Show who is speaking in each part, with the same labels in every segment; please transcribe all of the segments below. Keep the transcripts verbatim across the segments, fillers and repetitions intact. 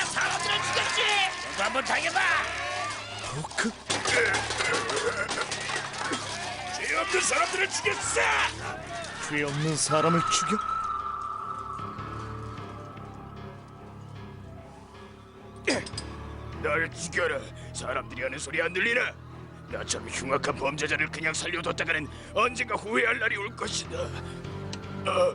Speaker 1: 사람들을 죽였지. 너도 한번 당해봐.
Speaker 2: 호크?
Speaker 1: 죄 없는 사람들을 죽였어.
Speaker 2: 죄 없는 사람을 죽여?
Speaker 1: 날 죽여라. 사람들이 하는 소리 안 들리나? 나처럼 흉악한 범죄자를 그냥 살려뒀다가는 언젠가 후회할 날이 올 것이다. 어,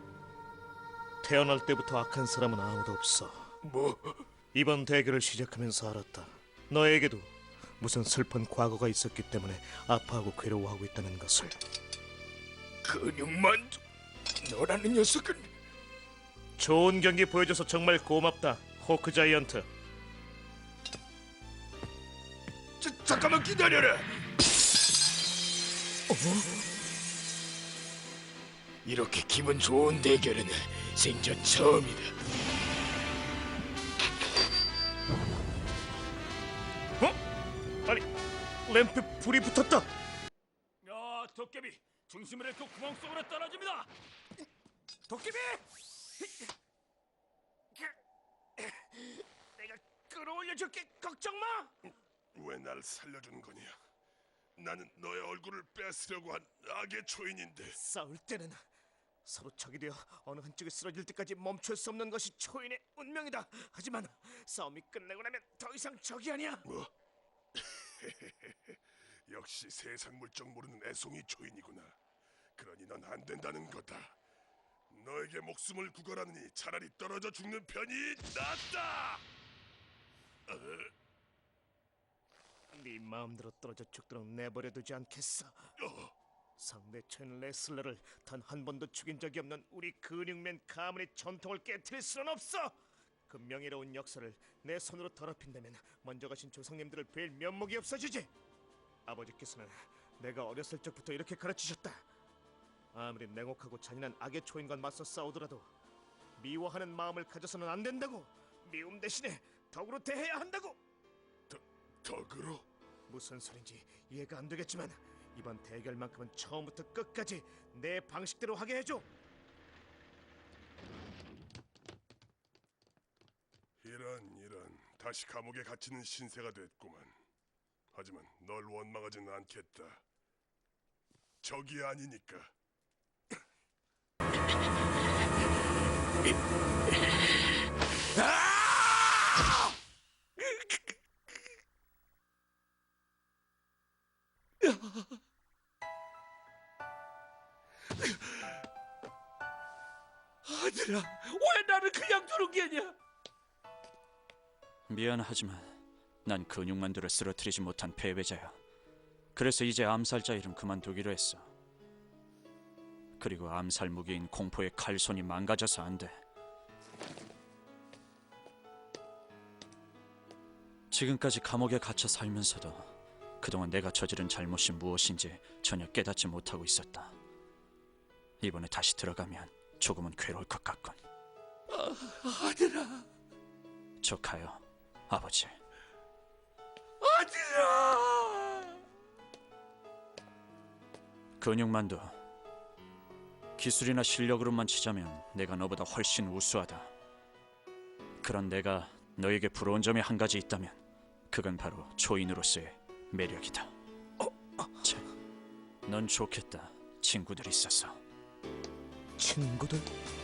Speaker 2: 태어날 때부터 악한 사람은 아무도 없어.
Speaker 1: 뭐?
Speaker 2: 이번 대결을 시작하면서 알았다. 너에게도 무슨 슬픈 과거가 있었기 때문에 아파하고 괴로워하고 있다는 것을.
Speaker 1: 근육만두. 너라는 녀석은
Speaker 2: 좋은 경기 보여줘서 정말 고맙다, 호크 자이언트.
Speaker 1: 자, 잠깐만 기다려라. 어? 이렇게 기분 좋은 대결은 생전 처음이다.
Speaker 2: 어? 아니, 램프에 불이 붙었다.
Speaker 1: 야, 도깨비 중심을 잃고 구멍 속으로 떨어집니다. 도깨비! 내가 끌어올려줄게. 걱정 마.
Speaker 3: 왜 날 살려준 거냐? 나는 너의 얼굴을 뺏으려고 한 악의 초인인데.
Speaker 2: 싸울 때는 서로 적이 되어 어느 한쪽이 쓰러질 때까지 멈출 수 없는 것이 초인의 운명이다. 하지만 싸움이 끝나고 나면 더 이상 적이 아니야.
Speaker 3: 뭐? 역시 세상 물정 모르는 애송이 초인이구나. 그러니 넌 안 된다는 거다. 너에게 목숨을 구걸하느니 차라리 떨어져 죽는 편이 낫다. 어?
Speaker 2: 네 마음대로 떨어져 죽도록 내버려두지 않겠어. 상대 초인 레슬러를 단 한 번도 죽인 적이 없는 우리 근육맨 가문의 전통을 깨트릴 수는 없어. 그 명예로운 역사를 내 손으로 더럽힌다면 먼저 가신 조상님들을 뵐 면목이 없어지지. 아버지께서는 내가 어렸을 적부터 이렇게 가르치셨다. 아무리 냉혹하고 잔인한 악의 초인과 맞서 싸우더라도 미워하는 마음을 가져서는 안 된다고. 미움 대신에 덕으로 대해야 한다고.
Speaker 3: 더, 덕으로?
Speaker 2: 무슨 소린지 이해가 안 되겠지만 이번 대결만큼은 처음부터 끝까지 내 방식대로 하게 해줘.
Speaker 3: 이런 이런 다시 감옥에 갇히는 신세가 됐구만. 하지만 널 원망하지는 않겠다. 적이 아니니까.
Speaker 1: 아들아, 왜 나를 그냥 두는 게냐?
Speaker 4: 미안하지만 난 근육만두를 쓰러뜨리지 못한 패배자야. 그래서 이제 암살자 일은 그만두기로 했어. 그리고 암살 무기인 공포의 칼손이 망가져서 안 돼. 지금까지 감옥에 갇혀 살면서도 그동안 내가 저지른 잘못이 무엇인지 전혀 깨닫지 못하고 있었다. 이번에 다시 들어가면 조금은 괴로울 것 같군.
Speaker 1: 아, 아들아,
Speaker 4: 조카요, 아버지.
Speaker 1: 아들아!
Speaker 4: 근육만두, 기술이나 실력으로만 치자면 내가 너보다 훨씬 우수하다. 그런 내가 너에게 부러운 점이 한 가지 있다면 그건 바로 초인으로서의 매력이다. 참, 넌 좋겠다. 친구들이 있어서.
Speaker 2: 친구들?